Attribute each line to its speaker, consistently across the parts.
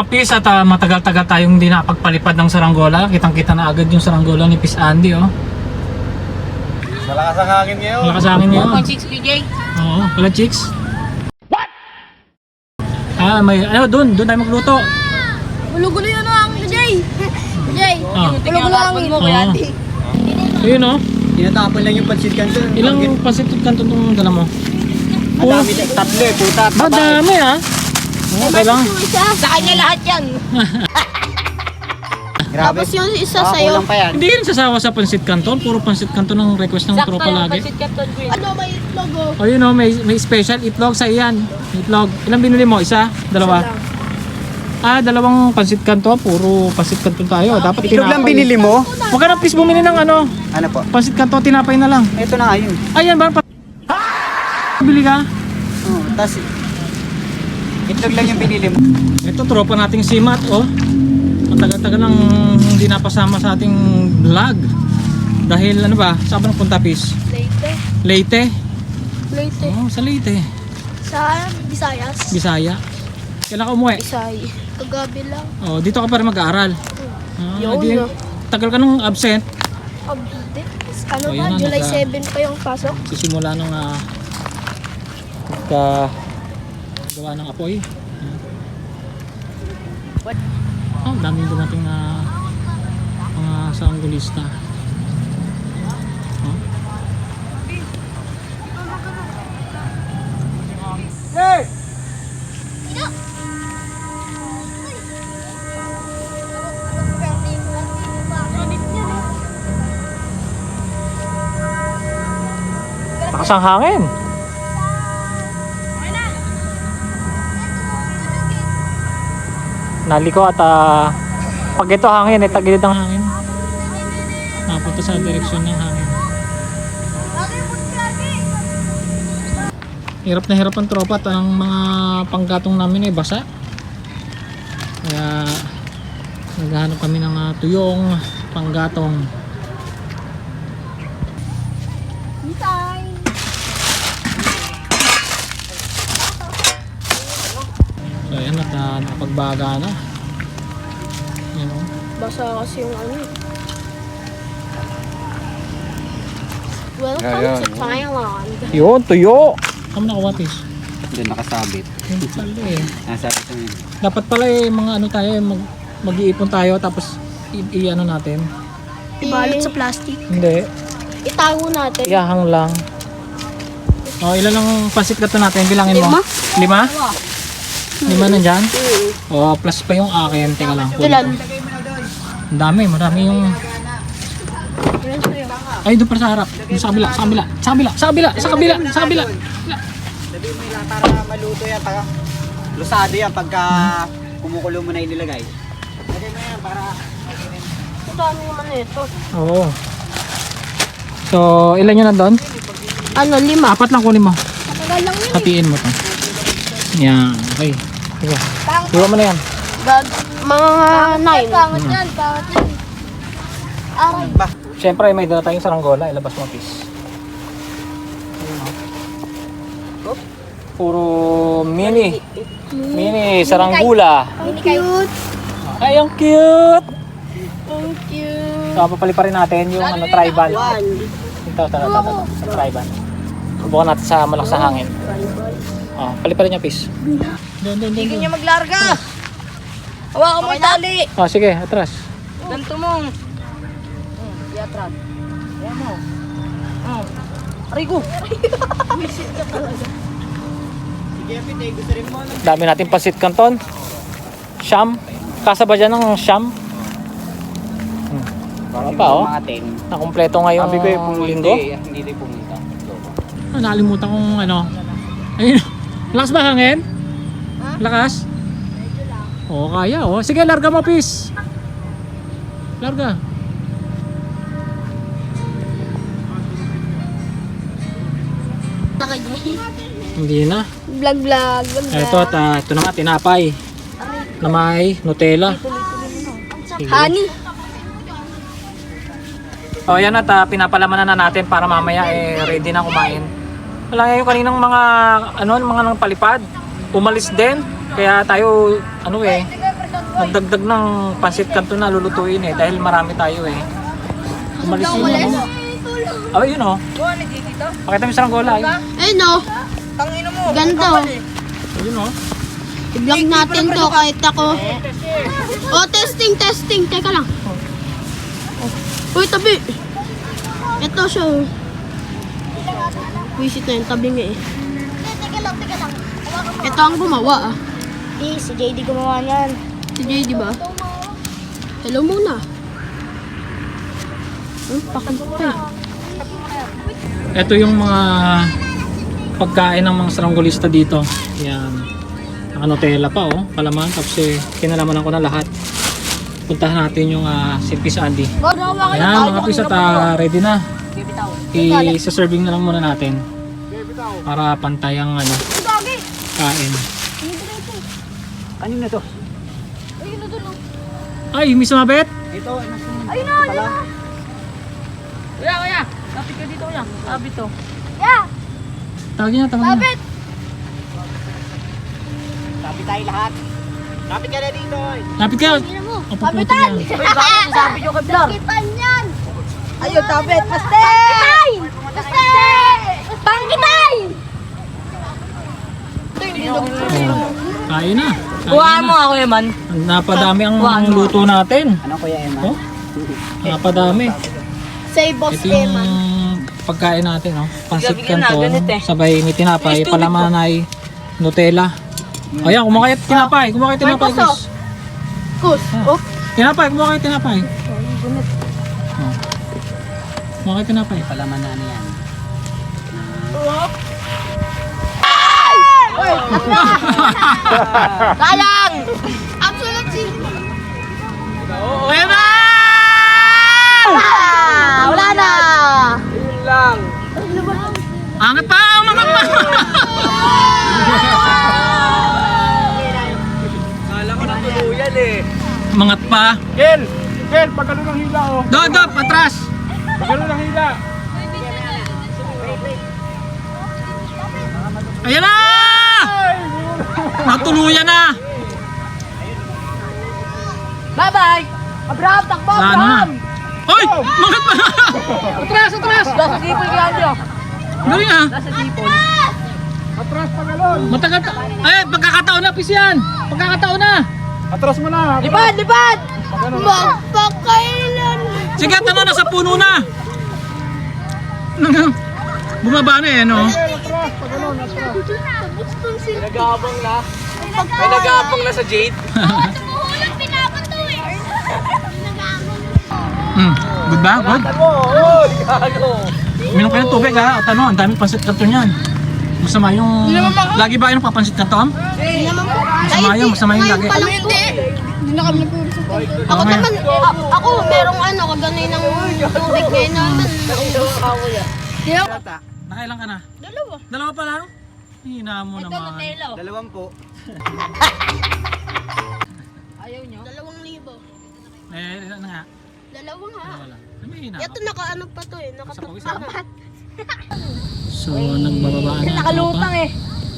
Speaker 1: mga pis at matagal-tagal tayong hindi nakapagpalipad ng saranggola. Kitang-kita na agad yung saranggola ni Pis Andy, oh.
Speaker 2: Malakas ang hangin ngayon.
Speaker 1: Malakas ang hangin ngayon.
Speaker 3: 1.6 PJ.
Speaker 1: Oo, wala chicks. What? May ano doon tayo magluto.
Speaker 4: Gulo-gulo yun ang PJ. PJ,
Speaker 1: Ah.
Speaker 4: gulo-gulo ang ito.
Speaker 1: Oo. Ayun, oh.
Speaker 2: Tinatapon lang yung pansit kanto.
Speaker 1: Ilang pasit kanto itong dala mo?
Speaker 2: Madami na. Tatlo eh, puta.
Speaker 1: Madami, ah. Okay lang.
Speaker 4: Sa kanya lahat yan.
Speaker 2: Grabe.
Speaker 4: Tapos yung isa
Speaker 2: Kulang
Speaker 4: sa'yo.
Speaker 2: pa yan.
Speaker 1: Hindi rin sasawa sa pansit canton. Puro pansit canton ang request ng tropa lagi.
Speaker 4: Ano may itlog oh?
Speaker 1: O yun, oh, may special itlog sa iyan. Itlog. Ilang binili mo? Isa? Dalawa? Dalawang pansit canton. Puro pansit canton tayo. Dapat
Speaker 2: Itlog lang binili mo?
Speaker 1: Huwag ka na please bumili ng ano.
Speaker 2: Ano po?
Speaker 1: Pansit canton, tinapay na lang.
Speaker 2: Ito na nga yun.
Speaker 1: Ayan ba? Bili ka?
Speaker 2: Oo, tas itlog lang yung binili mo.
Speaker 1: Ito, tropa nating si Matt, oh. Matagal-tagal nang hindi napasama sa ating vlog. Dahil ano ba? Saan ba nagpunta, Pis?
Speaker 4: Leyte.
Speaker 1: Leyte?
Speaker 4: Leyte.
Speaker 1: Oh, sa Leyte.
Speaker 4: Sa Visayas.
Speaker 1: Bisaya. Kailan ka umuwi?
Speaker 4: Bisay. Kagabi lang.
Speaker 1: Oh, dito ka pa rin mag-aaral.
Speaker 4: Yun, no.
Speaker 1: Tagal ka nung absent.
Speaker 4: Abdi. Ano
Speaker 1: Oh,
Speaker 4: ba?
Speaker 1: yun na,
Speaker 4: July
Speaker 1: nagka-
Speaker 4: 7 pa yung pasok.
Speaker 1: Sisimula nung gawa ng apoy. Oh, daming dumating na mga sanggulista. Oh.
Speaker 2: Hey!
Speaker 1: Lakas ang hangin. Naliko at pag ito hangin, tagilid ang hangin. Napunta sa direksyon ng hangin. Hirap na hirap ang tropa at ang mga panggatong namin ay basa. Kaya naghahanap kami ng tuyong panggatong.
Speaker 4: Bisay.
Speaker 1: So ayan at nakapagbaga na. Yan o.
Speaker 4: Basa kasi yung ano. Welcome
Speaker 2: Ayan,
Speaker 4: to Thailand.
Speaker 1: Yun, tuyo! Kamo nakawatis?
Speaker 2: Diyan nakasabit.
Speaker 1: Yun pala eh.
Speaker 2: Nasa ito yun.
Speaker 1: Dapat pala eh, mga ano tayo, mag-iipon tayo tapos i-ano natin.
Speaker 4: Ibalot sa plastic.
Speaker 1: Hindi,
Speaker 4: Itago natin.
Speaker 1: iyahang lang. O, ilan ang pasit ka to natin? Bilangin mo. 5? 5 nandyan? O, plus pa yung akin. Teka lang.
Speaker 4: Ilan?
Speaker 1: Ang dami, marami yung... Ay, doon para sa harap. Doon sa kabila, sa kabila, sa kabila, sa kabila, sa kabila, sa kabila.
Speaker 2: Sabi mo lang para maluto yan. Para lusado yan pagka kumukulo mo na inilagay. Lagay mo yan para...
Speaker 4: Ito ano naman ito?
Speaker 1: Oo. So, ilan yun nandun?
Speaker 4: Ano, 5.
Speaker 1: 4 lang kunin mo.
Speaker 4: Matagal lang yun.
Speaker 1: Hatiin mo to. Yan, okay. Sige. Iwan mo na yan.
Speaker 4: Mga 9. Pangat yan, pangat yan. Aray.
Speaker 2: Ba?
Speaker 1: Siyempre, may dala tayong saranggola. Ilabas mo, please. Puro mini. Mini saranggola.
Speaker 4: Ang cute.
Speaker 1: Ay, ang cute!
Speaker 4: Ang cute.
Speaker 1: So, papalipa rin natin yung ano, tribal. Ito, tribal. Subukan natin sa malakas na hangin. Oh, palipa rin niya, please. Doon.
Speaker 3: Hindi niya maglarga. Hawakan mo yung tali.
Speaker 1: Oh, sige, atras.
Speaker 3: Ganto mo. Yatran. Ayan mo. Aray ko.
Speaker 2: Sige, Pete, gusto rin mo.
Speaker 1: Dami natin pasit kanton. Siyam. Kasa ba dyan ng siyam? Baka pa, oh.
Speaker 2: Mga 10.
Speaker 1: Nakumpleto ngayong
Speaker 2: Sabi ko yung
Speaker 1: linggo.
Speaker 2: Hindi din pumunta.
Speaker 1: Nakalimutan kong ano. Ayun. Lakas ba hangin? Lakas? Oo, kaya. Oh. Sige, larga mo, please. Larga. Hindi na.
Speaker 4: Vlog.
Speaker 1: Ito at ito na nga, tinapay. Na may Nutella. Sige.
Speaker 4: Honey.
Speaker 1: O yan at pinapalaman na natin para mamaya ready na kumain. Wala nga yung kaninang mga mga nang palipad. Umalis din. Kaya tayo nagdagdag ng pansit kanto na lulutuin eh dahil marami tayo eh. Umalis yun. Oh, yun oh. Pakita mo sa Ranggola ay.
Speaker 3: Ayun no. Ganda oh.
Speaker 1: Yun oh.
Speaker 3: I-vlog natin to kahit ako. Oh, testing. Teka lang. Uy, tabi. Ito siya oh. Visit na yung tabi nga eh.
Speaker 4: Teka lang.
Speaker 3: Ito ang gumawa ah.
Speaker 4: Si JD gumawa niyan.
Speaker 3: Si Jay, di ba? Hello muna. Pakanta.
Speaker 1: Ito yung mga pagkain ng mga saranggolista dito. Yan. Naka-Nutella pa oh. Palaman. Tapos kinalamanan ko na lahat. Puntahan natin yung si Pis Andy. Ayan mga Pis at ready na. I-serving na lang muna natin. Para pantay ang kain.
Speaker 2: Kanina to?
Speaker 1: Ay, may sumabit?
Speaker 2: Ito,
Speaker 4: Ayun na.
Speaker 3: Kuya. Lapit ka dito kuya. Lapit to.
Speaker 4: Yeah.
Speaker 1: Tawagin na.
Speaker 4: Lapit.
Speaker 2: Lapit tayo lahat. Lapit ka na dito.
Speaker 1: Lapit ka.
Speaker 4: Tingnan mo.
Speaker 1: O, puputin yan.
Speaker 3: Sabi nyo kay Blar.
Speaker 4: Kitan yan.
Speaker 3: Ayun, tapit. Paste!
Speaker 4: Paste! Pangkitay!
Speaker 1: Oh, kain na.
Speaker 3: Kuhaan mo ako man.
Speaker 1: Napadami ang luto natin.
Speaker 2: Ano Kuya Emma?
Speaker 1: Oh, napadami.
Speaker 4: Say boss
Speaker 1: Ito yung pagkain natin, no? Pansit canton, sabay may tinapay, palaman ay Nutella. Ayan, kumakain tinapay, guys.
Speaker 3: Kus. Oh.
Speaker 1: Tinapay. Oh. Kumakain tinapay.
Speaker 2: Palaman na ano yan.
Speaker 3: Kalang!
Speaker 4: Absolute zero.
Speaker 1: Ayan na!
Speaker 3: Wala na!
Speaker 1: Angat pa! Umangat pa!
Speaker 2: Kala ko natuluyan eh.
Speaker 1: Umangat pa.
Speaker 5: Kel, pagkano ng hila oh.
Speaker 1: Dodop, atras!
Speaker 5: Pagkano ng hila.
Speaker 1: Ayan na! Natuluyan na!
Speaker 3: Bye-bye! Abraham, takbo!
Speaker 1: Saan na? Hoy! Umangat pa! Atras!
Speaker 3: Nasa sipol kaya nyo.
Speaker 1: Galing ah!
Speaker 3: Nasa sipol.
Speaker 5: Atras pagalon.
Speaker 1: Matagal ka. Ay, pagkakataon na, Pis yan! Pagkakataon na!
Speaker 5: Atras mo na.
Speaker 3: Lipad!
Speaker 4: Magpakailan.
Speaker 1: Sige, tanong na sa puno na! Bumaba na eh, no?
Speaker 5: Atras pagalon. Atras.
Speaker 4: Dito na. Bustong sila.
Speaker 2: Nagabang na. May nagabang na sa Jade.
Speaker 4: Tumuhulog pinapato eh.
Speaker 1: Good ba? Good?
Speaker 2: Oo, gago.
Speaker 1: Minom kayo ng tubig ha? At ano, ang daming pansit kanto niyan. Masama yung... Lagi ba yung papansit kanto? Masama yung lagi.
Speaker 4: Hindi na kami nagpurusan.
Speaker 3: Ako naman, ako merong kaganoy ng tubig ngayon naman.
Speaker 1: Nakailan ka na?
Speaker 3: Dalawa.
Speaker 1: Dalawa pa lang? Hina mo naman.
Speaker 2: 20.
Speaker 3: Ayaw nyo?
Speaker 4: 2,000.
Speaker 1: Eh, ilan na nga?
Speaker 3: Dalawa nga.
Speaker 1: Wala. May hina
Speaker 3: Ito
Speaker 1: ka.
Speaker 3: nakaano pa to eh. Nakatapat.
Speaker 1: So, nagbababa na.
Speaker 3: Nakalutang eh.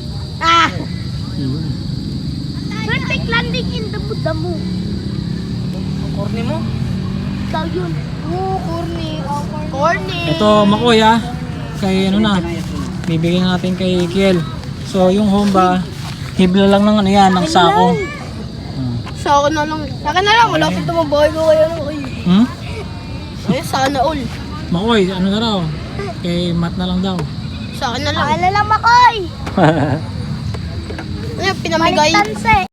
Speaker 1: Yun.
Speaker 4: Perfect landing in the damo.
Speaker 3: Korni mo?
Speaker 4: Daw yun. Oo, corny. Corny.
Speaker 1: Ito, Makoy ha. Kay ano na. Bibigyan natin kay Kiel. So, yung home ba, hibla lang ng ano yan, ng sako.
Speaker 3: Sa akin na lang. Sa akin na lang. Malapit na mabahay ko kayo.
Speaker 1: Hmm?
Speaker 3: Ay, sana all.
Speaker 1: Makoy, ano na raw? Kay Matt na lang daw.
Speaker 3: Sa akin na lang.
Speaker 4: Paalala lang, Makoy.
Speaker 3: Ay, pinamigay.
Speaker 4: Balik tanse.